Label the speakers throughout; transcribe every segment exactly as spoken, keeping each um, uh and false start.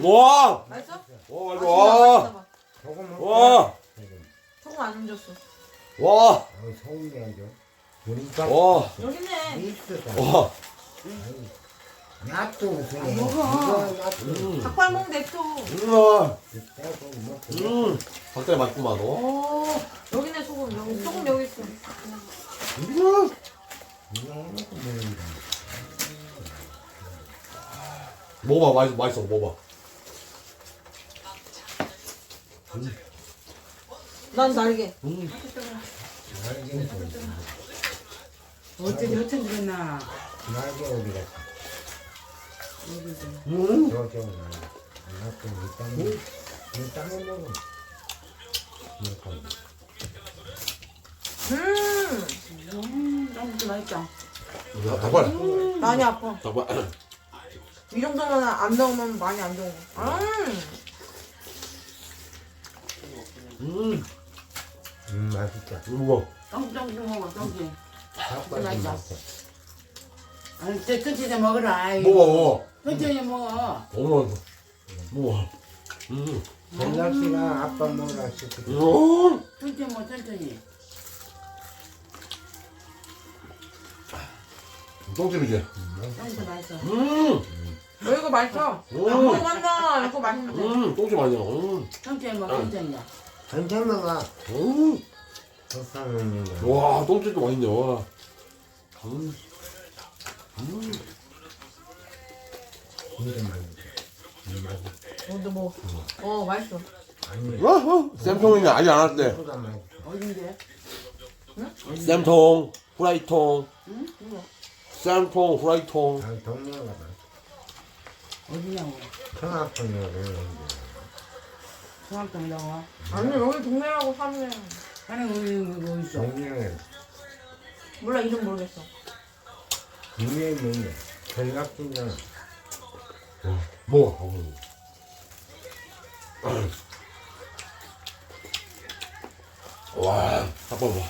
Speaker 1: 와!
Speaker 2: 맛있어?
Speaker 1: 와,
Speaker 2: 아,
Speaker 1: 맛있어. 와!
Speaker 3: 소금
Speaker 1: 와!
Speaker 2: 소금 안 얹었어.
Speaker 1: 와!
Speaker 3: 어, 소금 내야죠. 우리가
Speaker 1: 와!
Speaker 2: 여기 있네.
Speaker 3: 있어.
Speaker 1: 와!
Speaker 3: 낫도 무슨 해.
Speaker 2: 먹어.
Speaker 3: 이거 낫도.
Speaker 1: 음.
Speaker 2: 닭발 먹는데 또.
Speaker 1: 음.
Speaker 3: 빼고 먹고.
Speaker 1: 음. 닭다리 맛있구만, 너.
Speaker 2: 오, 여기 있네 소금. 여기 소금 여기 있어.
Speaker 1: 음.
Speaker 3: 이거 해놓고 먹는다.
Speaker 1: 먹어봐, 맛있어, 맛있어, 먹어봐.
Speaker 2: 난 날개.
Speaker 1: 음.
Speaker 3: 날개는 좀.
Speaker 4: 어째 여천 들었나?
Speaker 3: 날개 어디 갔어?
Speaker 1: 음.
Speaker 3: 저쪽 날개. 낫도 일단은 일단은 먹어. 이렇게.
Speaker 2: 음,
Speaker 4: 음, 너무 맛있다.
Speaker 1: 야, 닭발.
Speaker 2: 많이 아파.
Speaker 1: 닭발.
Speaker 2: 이 정도면 안 넣으면 많이 안 좋은 거. 음,
Speaker 1: 음.
Speaker 3: 음 맛있다.
Speaker 1: 먹어.
Speaker 4: 똥똥 먹어, 똥똥.
Speaker 3: 닭발 좀
Speaker 4: 맛있어.
Speaker 3: 맛있어.
Speaker 4: 아니, 저 천천히 먹어라. 아이.
Speaker 1: 먹어, 먹어.
Speaker 4: 천천히 먹어.
Speaker 1: 너무 맛있어. 먹어. 음.
Speaker 3: 전락씨가 아빠 먹으라 시키고.
Speaker 1: 음.
Speaker 4: 천천히 먹어, 천천히.
Speaker 1: 똥집이지?
Speaker 4: 똥도 맛있어.
Speaker 1: 음.
Speaker 2: 어, 이거 맛있어.
Speaker 1: 음.
Speaker 2: 안 먹었나? 이거 맛있는데.
Speaker 1: 음. 똥집 아니야. 음.
Speaker 4: 천천히 먹어, 천천히.
Speaker 3: 천천히 먹어.
Speaker 1: 음.
Speaker 3: 적당히 먹는 거.
Speaker 1: 와, 똥집도 맛있네, 와. 음. 음.
Speaker 3: 진짜 맛있어. 음, 맛있어.
Speaker 2: 너도 뭐? 어, 맛있어.
Speaker 3: 아니.
Speaker 1: 와, 어? 쌤통이네. 아직 안 왔대.
Speaker 3: 소다 맛있어.
Speaker 4: 어딘데?
Speaker 1: 쌤통, 후라이통.
Speaker 4: 응?
Speaker 1: 쌤통, 후라이통.
Speaker 3: 아, 동네가 맛있어.
Speaker 4: 어디냐고.
Speaker 3: 청아풍이라고 그러는데.
Speaker 4: 중학교 나와.
Speaker 2: 아니 여기 동네라고 사네.
Speaker 4: 하는 우리 이거 있어.
Speaker 3: 동네에
Speaker 2: 몰라 이름 모르겠어.
Speaker 3: 동네에 있는데 전락진장
Speaker 1: 먹어. 와, 닭발 봐.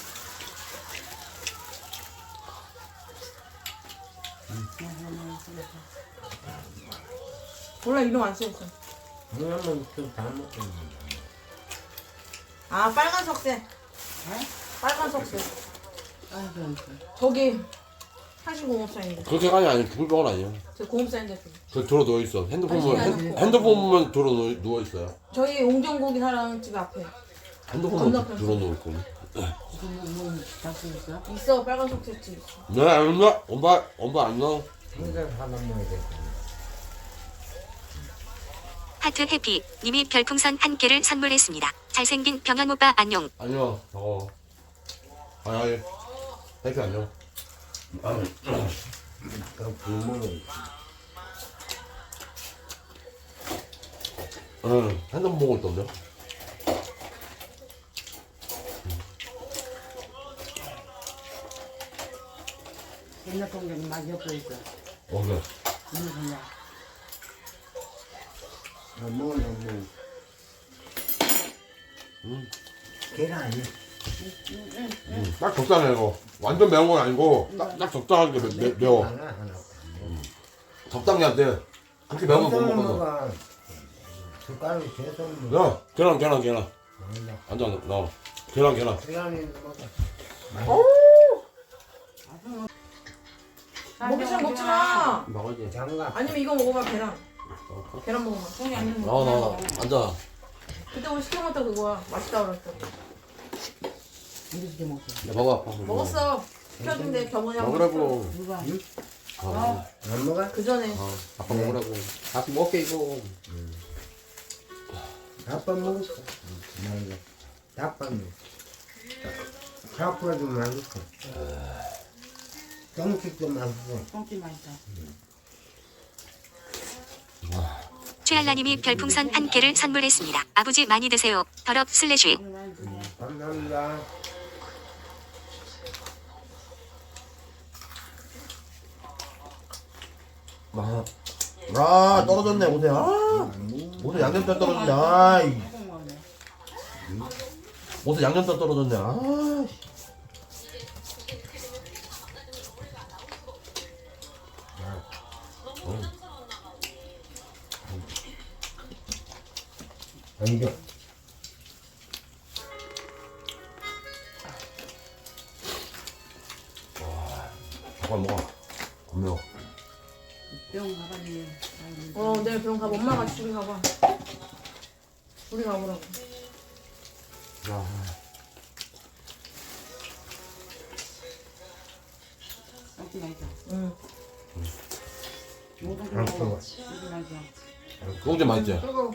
Speaker 2: 몰라 이름 안 써있어.
Speaker 3: 그러면 또다 먹고 있는데.
Speaker 2: 아 빨간 석쇠.
Speaker 4: 에?
Speaker 2: 빨간 석쇠.
Speaker 4: 아, 그럼.
Speaker 2: 저기 한신공업사인데.
Speaker 1: 그렇게 가냐 아니 죽을 병은 아니야.
Speaker 2: 저 공업사인데 저기.
Speaker 1: 저 들어 누워 있어. 핸드폰 보면
Speaker 2: 아니,
Speaker 1: 핸,
Speaker 2: 아니.
Speaker 1: 핸드폰 보면 들어 누워, 누워 있어요.
Speaker 2: 저희 옹정고기 사랑 집 앞에
Speaker 1: 핸드폰 보면
Speaker 2: 건너편.
Speaker 1: 들어 누워 있고.
Speaker 4: 지금 뭐 잡수 있어?
Speaker 2: 있어 빨간 석쇠 집 있어.
Speaker 1: 네, 안 나. 엄마, 엄마 안 나.
Speaker 3: 혼자 사다 먹어야 돼.
Speaker 5: 하트 해피 님이 별풍선 한 개를 선물했습니다. 잘생긴 병현 오빠 안녕.
Speaker 1: 안녕. 어. 아니 아니. 해피 안녕.
Speaker 3: 그 부모는
Speaker 1: 응. 핸드폰 보고 있던데.
Speaker 4: 옛날 동전이 많이 엮여 있어.
Speaker 1: 어 그래.
Speaker 4: 이거 그냥.
Speaker 3: 안 먹으면 뭐
Speaker 1: 음.
Speaker 3: 계란
Speaker 1: 음. 딱 적당해 이거. 완전 매운 건 아니고 딱, 딱 적당하게 매, 매, 매워.
Speaker 3: 하나 하나.
Speaker 1: 적당히 안 돼. 그렇게 매운 건 못
Speaker 3: 엄청
Speaker 1: 먹거든.
Speaker 3: 먹어. 숟가락이 계속 먹어.
Speaker 1: 야, 계란, 계란, 계란.
Speaker 3: 먹는다.
Speaker 1: 앉아, 나와. 계란, 계란.
Speaker 3: 계란이 먹어.
Speaker 2: 먹이처럼 먹지 마.
Speaker 1: 먹어야지.
Speaker 3: 장갑.
Speaker 2: 아니면 이거 먹어봐 계란. 계란 먹어봐.
Speaker 4: 손이 안 되는
Speaker 1: 나와, 나와, 나와. 앉아.
Speaker 2: 그때 우리 시켜 먹다 그거야. 맛있다 그랬어.
Speaker 4: 이렇게 먹어.
Speaker 1: 야, 먹어. 밥
Speaker 2: 먹었어. 시켜준대 병원에 한번
Speaker 1: 먹으라고.
Speaker 4: 누가?
Speaker 1: 아,
Speaker 3: 안 먹어?
Speaker 2: 그 전에
Speaker 1: 아, 아빠 먹으라고. 같이 먹게, 이거.
Speaker 3: 아빠 먹었어. 맞아. 아빠 먹었어. 아빠도 맛있어. 똥집도 맛있어.
Speaker 4: 똥집 맛있다.
Speaker 5: 최알라님이 별풍선 한 개를 선물했습니다. 아버지 많이 드세요. 더럽 슬래쉬.
Speaker 4: 오늘 많이 드세요.
Speaker 3: 감사합니다.
Speaker 6: 아, 아 떨어졌네 옷에. 아, 옷에 양념장 떨어졌네. 아이,
Speaker 4: 조금 먹네.
Speaker 6: 옷에 양념장 떨어졌네. 아, 씨.
Speaker 3: 안겨.
Speaker 6: 잠깐 먹어. 안 매워.
Speaker 4: 병 가봤니?
Speaker 2: 어 내일 병원 가봐. 엄마 같이 둘이 가봐. 둘이 가보라고.
Speaker 6: 야,
Speaker 4: 어디 가있어?
Speaker 2: 응.
Speaker 4: 모든 거
Speaker 3: 안
Speaker 4: 먹어.
Speaker 3: 뜨거워.
Speaker 4: 어디 가있어?
Speaker 6: 소주 맛있지?
Speaker 2: 뜨거워.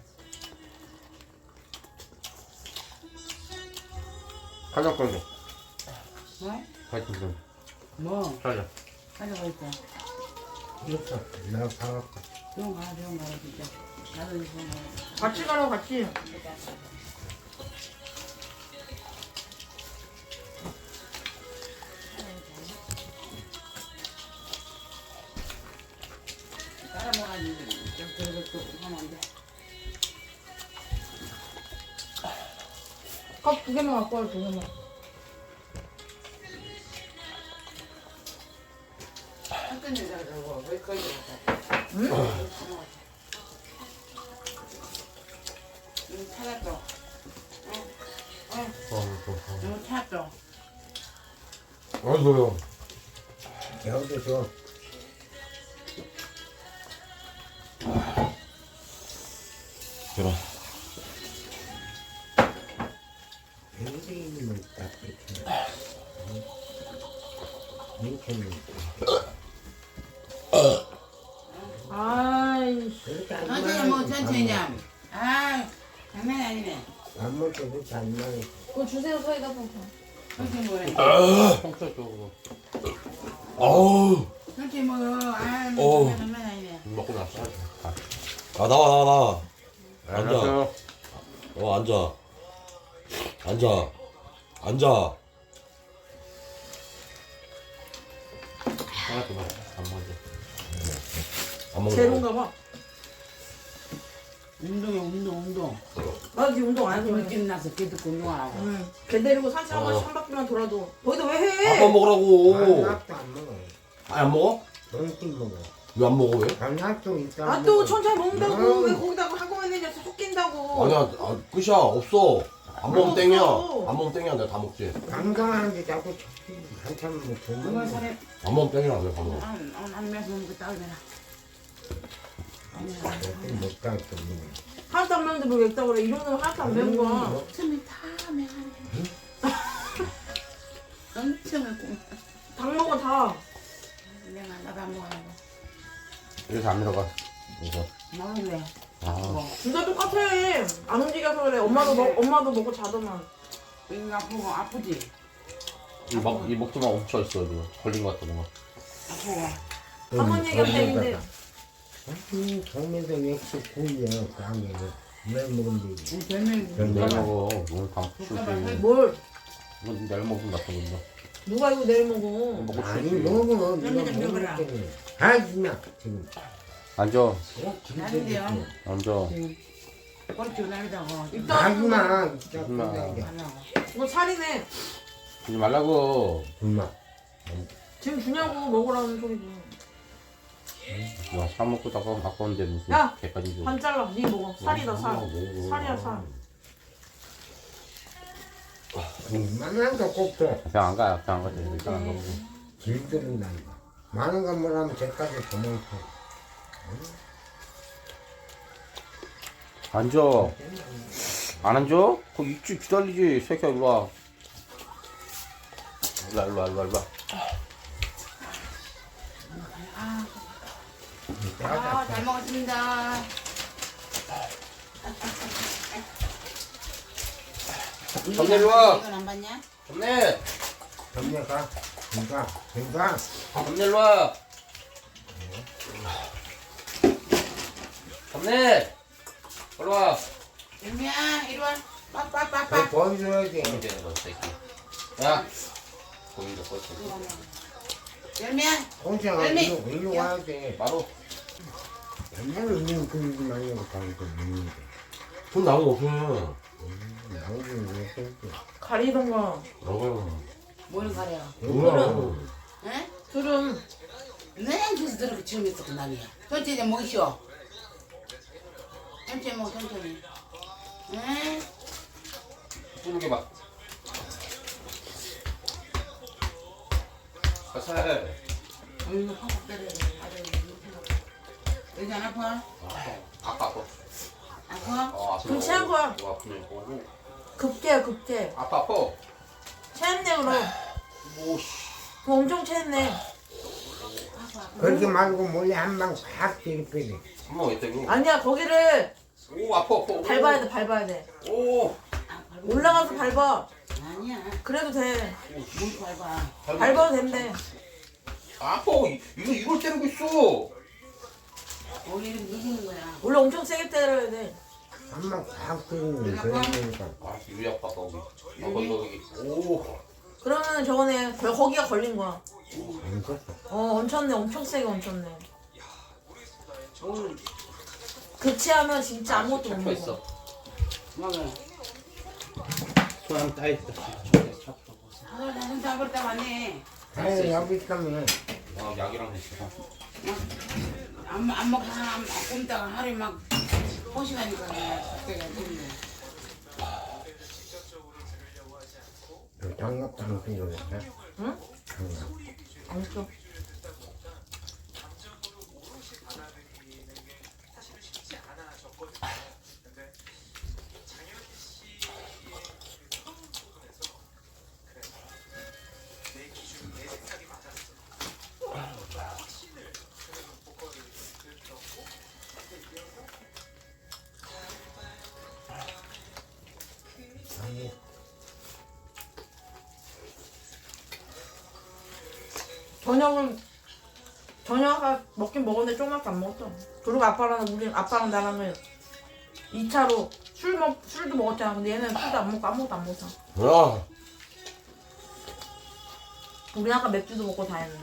Speaker 1: 가자 가자.
Speaker 4: 뭐?
Speaker 1: 가자 가자.
Speaker 4: 뭐?
Speaker 1: 가자.
Speaker 4: 가져가 있어.
Speaker 3: 이렇게 내가 사갖고.
Speaker 4: 병 가, 병 가, 진짜. 나도 이거 가.
Speaker 2: 같이 가라고 같이.
Speaker 4: 따라 먹어야지. 그리고 또 하면 안 돼.
Speaker 2: 컵 두 개만 갖고 와. 두 개만.
Speaker 4: 한끈 여자라고 왜 거기 갔다?
Speaker 2: 응?
Speaker 4: 이거 찾았어.
Speaker 1: 어, 어, 어.
Speaker 4: 이거 찾았어.
Speaker 1: 어서요.
Speaker 3: 여기도 줘.
Speaker 6: 들어.
Speaker 3: 뱅뱅이는 딱 이렇게. 이렇게는.
Speaker 2: 아이씨.
Speaker 3: 그렇게 안
Speaker 4: 천천히 뭐
Speaker 3: 먹어야지,
Speaker 4: 천천히
Speaker 3: 밥
Speaker 4: 좀. 아, 장난이 아니네.
Speaker 3: 먹- 밥 먹을 때 그렇게 안 먹어.
Speaker 2: 그거 주세요 사이다 펑펑.
Speaker 4: 천천히 먹으래.
Speaker 1: 평소 쪽으로
Speaker 6: 아우.
Speaker 4: 천천히 먹어. 아,
Speaker 6: 어.
Speaker 4: 장난 아니네.
Speaker 1: 먹고 나서. 가.
Speaker 6: 아, 나와, 나와, 나와. 앉아.
Speaker 1: 알았어요.
Speaker 6: 어, 앉아. 앉아. 앉아.
Speaker 1: 하나 더 먹어. 안 먹어.
Speaker 6: 안 먹는 거.
Speaker 2: 제로인가 봐.
Speaker 4: 운동해, 운동, 운동.
Speaker 2: 나 지금 운동 안
Speaker 4: 아침에
Speaker 2: 해서.
Speaker 4: 끝나서 걔 듣고 운동하라고.
Speaker 2: 응. 걔 데리고 산책 한 번씩 한 바퀴만 돌아도. 거기다 왜 해?
Speaker 6: 아빠 먹으라고.
Speaker 3: 밥도 안 먹어.
Speaker 6: 아, 안 먹어?
Speaker 3: 너희끼리 먹어.
Speaker 6: 왜 안 먹어, 왜?
Speaker 3: 밥도 있다.
Speaker 2: 아 또 천천히 먹는다고.
Speaker 3: 음.
Speaker 2: 왜 거기다가 한꺼번에 내서 섞인다고.
Speaker 6: 아니야, 아, 끝이야. 없어. 안 먹으면 땡이야.
Speaker 2: 없어.
Speaker 6: 안 먹으면 땡이야. 내가 다 먹지.
Speaker 3: 강강하는데 자꾸 한참 먹고.
Speaker 4: 이거 사래.
Speaker 6: 안 먹으면 땡이야. 내가 다 먹어.
Speaker 4: 안, 안, 안 매서 먹고 따르면.
Speaker 3: 못 가겠어.
Speaker 2: 하나도 안 매운데 뭘 맵다고 그래. 이 정도면 하나도 안 매운 거야.
Speaker 4: 엄청이 다 매하네. 엄청 매고.
Speaker 2: 닭 먹어 다.
Speaker 4: 내가 나도 안 먹으라고.
Speaker 1: 여기서 안 들어가. 이거.
Speaker 4: 나는 왜?
Speaker 1: 아.
Speaker 4: 뭐,
Speaker 2: 둘 다 똑같아. 안 움직여서 그래. 엄마도 먹 엄마도 먹고 자더만.
Speaker 4: 이거 아프고 아프지?
Speaker 1: 이 목, 이 목도 막 멈춰 있어. 이거. 걸린 것 같아, 뭔가.
Speaker 4: 아프고.
Speaker 2: 할머니가 땡인데.
Speaker 3: 음, 정면도 역시 구이야. 강에 왜 먹으면 되지?
Speaker 4: 우리 별명이
Speaker 3: 별명.
Speaker 1: 내일
Speaker 4: 누가
Speaker 1: 먹어. 오늘 방
Speaker 4: 국가발
Speaker 1: 풀지.
Speaker 2: 뭘?
Speaker 1: 이건 내일 먹으면 같은 건데.
Speaker 2: 누가 이거 내일 먹어?
Speaker 1: 먹고
Speaker 3: 아니
Speaker 1: 풀지.
Speaker 3: 먹어.
Speaker 4: 좀
Speaker 3: 네가
Speaker 4: 좀 먹어라.
Speaker 3: 먹을 하지마 지금.
Speaker 1: 앉아.
Speaker 3: 어,
Speaker 4: 나는데요?
Speaker 1: 앉아.
Speaker 4: 지금 꼴찌 날리다가
Speaker 2: 입도 안
Speaker 3: 하지마.
Speaker 2: 하고.
Speaker 3: 진짜
Speaker 1: 하지마.
Speaker 3: 그냥
Speaker 4: 하려고.
Speaker 2: 이거 살이네.
Speaker 1: 하지 말라고.
Speaker 3: 엄마.
Speaker 2: 지금 주냐고 먹으라는 소리지.
Speaker 1: 와, 사 먹고 다가 아까운데 무슨
Speaker 2: 야!
Speaker 1: 개까지 줘.
Speaker 2: 반 잘라. 네 먹어. 살이다 살.
Speaker 1: 먹어.
Speaker 2: 살이야 살.
Speaker 3: 만난 거꼭 줘.
Speaker 1: 그냥 안 가. 그냥 안 가. 일단 안 가고.
Speaker 3: 길들은 난다. 많은 거 뭐라면 제까지 도망쳐.
Speaker 1: 앉아. 안 앉아? 거기 있지. 기다리지. 새끼야, 일로 와. 일로 와, 일로 와, 일로 와, 일로 와.
Speaker 4: 아, 잘 먹었습니다.
Speaker 6: 점례 일로 와.
Speaker 4: 이건 안 봤냐?
Speaker 6: 점례.
Speaker 3: 점례가. 그니까. 그니까.
Speaker 6: 점례 일로 와. 점례. 일로 와.
Speaker 4: 열미야, 이리 와.
Speaker 3: 그거
Speaker 4: 빠빠빠빠.
Speaker 3: 보여줘야지.
Speaker 6: 보면 되는 거 새끼. 야. 고민도 껐어.
Speaker 4: 열미야,
Speaker 3: 혼자가
Speaker 4: 열매.
Speaker 3: 일로, 일로 와야 돼.
Speaker 6: 바로.
Speaker 3: 옛날에 있는 그 일이 많이 하고 다니고 있는데.
Speaker 6: 돈 나온 거 없으면.
Speaker 3: 나오긴 왜 그랬지.
Speaker 2: 가리던가.
Speaker 6: 먹어요.
Speaker 4: 뭘 가려?
Speaker 6: 뭐야?
Speaker 4: 응?
Speaker 2: 술은
Speaker 4: 네, 그래서 저렇게 처음 했었고 난이야. 천천히 먹이쇼. 천천히 먹어, 천천히. 응?
Speaker 7: 푸르게 막. 살살.
Speaker 4: 어이구 팍팍 때려. 여기 안 아파?
Speaker 7: 아파 아파.
Speaker 4: 아파?
Speaker 7: 어 아파.
Speaker 2: 그럼 체한 거야.
Speaker 7: 뭐 아프네. 오고.
Speaker 2: 급제야 급제.
Speaker 7: 아파 아파.
Speaker 2: 체했네 그럼.
Speaker 7: 오씨.
Speaker 2: 그럼 엄청 체했네.
Speaker 3: 그렇게 말고 몰래 한 방 팍 때리빼리.
Speaker 7: 한번 있다고.
Speaker 2: 아니야 거기를
Speaker 7: 오 아파 아파.
Speaker 2: 밟아야 돼 밟아야 돼.
Speaker 7: 오.
Speaker 4: 아, 밟아.
Speaker 2: 올라가서 밟아.
Speaker 4: 아니야.
Speaker 2: 그래도 돼.
Speaker 4: 뭘 밟아.
Speaker 2: 밟아도 된대.
Speaker 7: 아파. 이- 이거 이걸 때리고 있어.
Speaker 4: 우리는 이기는 거야.
Speaker 2: 원래 엄청 세게 때려야 돼.
Speaker 3: 한 방 팍 때리는 그러니까.
Speaker 7: 아 유리 아파 거기. 아 거기 거기. 오.
Speaker 2: 그러면 저거네 거- 거기가 걸린 거야.
Speaker 3: 안 썼어.
Speaker 2: 어 얹혔네 엄청 세게 얹혔네.
Speaker 4: 오늘
Speaker 2: 급체하면 진짜 아무것도 못
Speaker 7: 잡혀
Speaker 2: 먹어.
Speaker 7: 있어.
Speaker 4: 먹어.
Speaker 6: 소랑 따있어.
Speaker 4: 하늘 나는 잡을다 왔네.
Speaker 3: 아유 여기 있다면
Speaker 7: 아 약이랑 있어.
Speaker 4: 안, 안 먹고 하나 안 굶다가 하루에 막 호시가니까 그냥 그때가 됐네.
Speaker 3: 장갑도 안 끼고 그랬어.
Speaker 2: 응?
Speaker 3: 장갑.
Speaker 2: 안 써.
Speaker 3: 아니
Speaker 2: 저녁은 저녁 아까 먹긴 먹었는데 조금밖에 안 먹었어. 그리고 아빠랑 우리 아빠랑 나랑은 이 차로 술 먹 술도 먹었잖아. 근데 얘는 술도 안 먹고 아무것도 안 먹었어.
Speaker 1: 야
Speaker 2: 우리 아까 맥주도 먹고 다 했는데.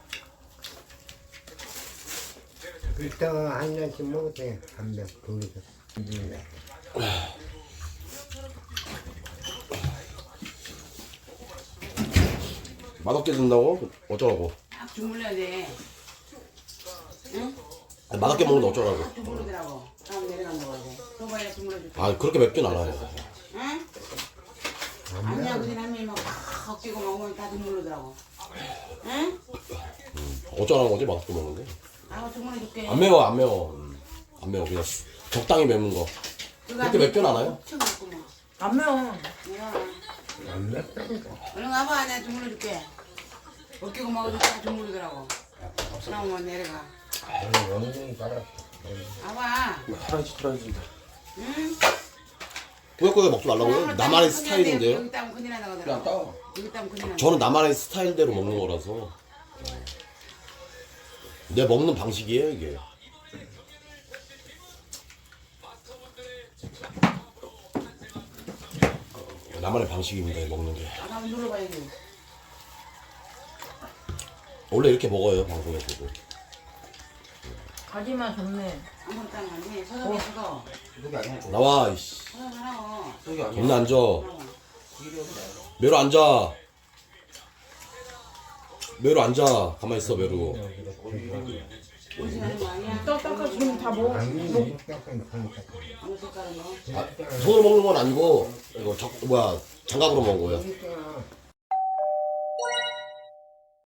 Speaker 3: 이따가 한 잔씩 먹었대. 한병 둘이서.
Speaker 1: 맛없게 든다고? 어쩌라고?
Speaker 4: 딱 주물러야 돼. 응?
Speaker 1: 맛없게 먹는데 어쩌라고?
Speaker 4: 딱 주물르더라고. 다음 내려간다고 하지. 소바에 주물러줄게.
Speaker 1: 아 그렇게 맵진 않아요.
Speaker 4: 응? 아니야 그냥 한명이 막 헛기고 먹으면 다 주물르더라고. 응?
Speaker 1: 어쩌라는 거지 맛없게 먹는데?
Speaker 4: 나가 주물러줄게.
Speaker 1: 안 매워 안 매워. 음, 안 매워 그냥 적당히 매운 거. 그렇게 맵진 않아요?
Speaker 4: 엄청 맵구만.
Speaker 2: 안 매워.
Speaker 4: 내가
Speaker 3: 안 맵다니까.
Speaker 4: 얼른 와봐 내가 주물러줄게. 헛기고 먹어도 다 주물르더라고. 그러면 내려가.
Speaker 3: 오늘 원숭이 따랐어.
Speaker 4: 와봐.
Speaker 7: 털어야지 털어야지.
Speaker 4: 응?
Speaker 1: 꾸역꾸역 먹지 말라고요? 나만의 스타일인데요?
Speaker 4: 여기 따면 큰일 난다고
Speaker 7: 그냥
Speaker 4: 하더라고.
Speaker 7: 따.
Speaker 4: 여기 따면 큰일 난다.
Speaker 1: 저는 나만의 스타일대로 먹는 거라서 내 먹는 방식이에요 이게. 나만의 방식입니다 먹는 게.
Speaker 4: 아, 한번 눌러봐야지.
Speaker 1: 원래 이렇게 먹어요 방송에서도.
Speaker 2: 가지만 좋네.
Speaker 4: 아무것도 따면 안 돼. 서석에 서서.
Speaker 7: 그게 아니야. 이거.
Speaker 1: 나와 이씨.
Speaker 4: 서석 하라고.
Speaker 7: 그게 아니야.
Speaker 1: 겁나 앉아.
Speaker 4: 하라고.
Speaker 1: 메로 앉아. 메로 앉아. 가만히 있어 메로.
Speaker 4: 무시하는 거 아니야?
Speaker 2: 떡떡하 지금 다 먹어.
Speaker 3: 아니
Speaker 2: 먹
Speaker 3: 약간 그러니까.
Speaker 4: 아무 색깔은 뭐?
Speaker 1: 손으로 먹는 건 아니고 이거 적 뭐야 장갑으로 먹은 거예요.
Speaker 3: 그러니까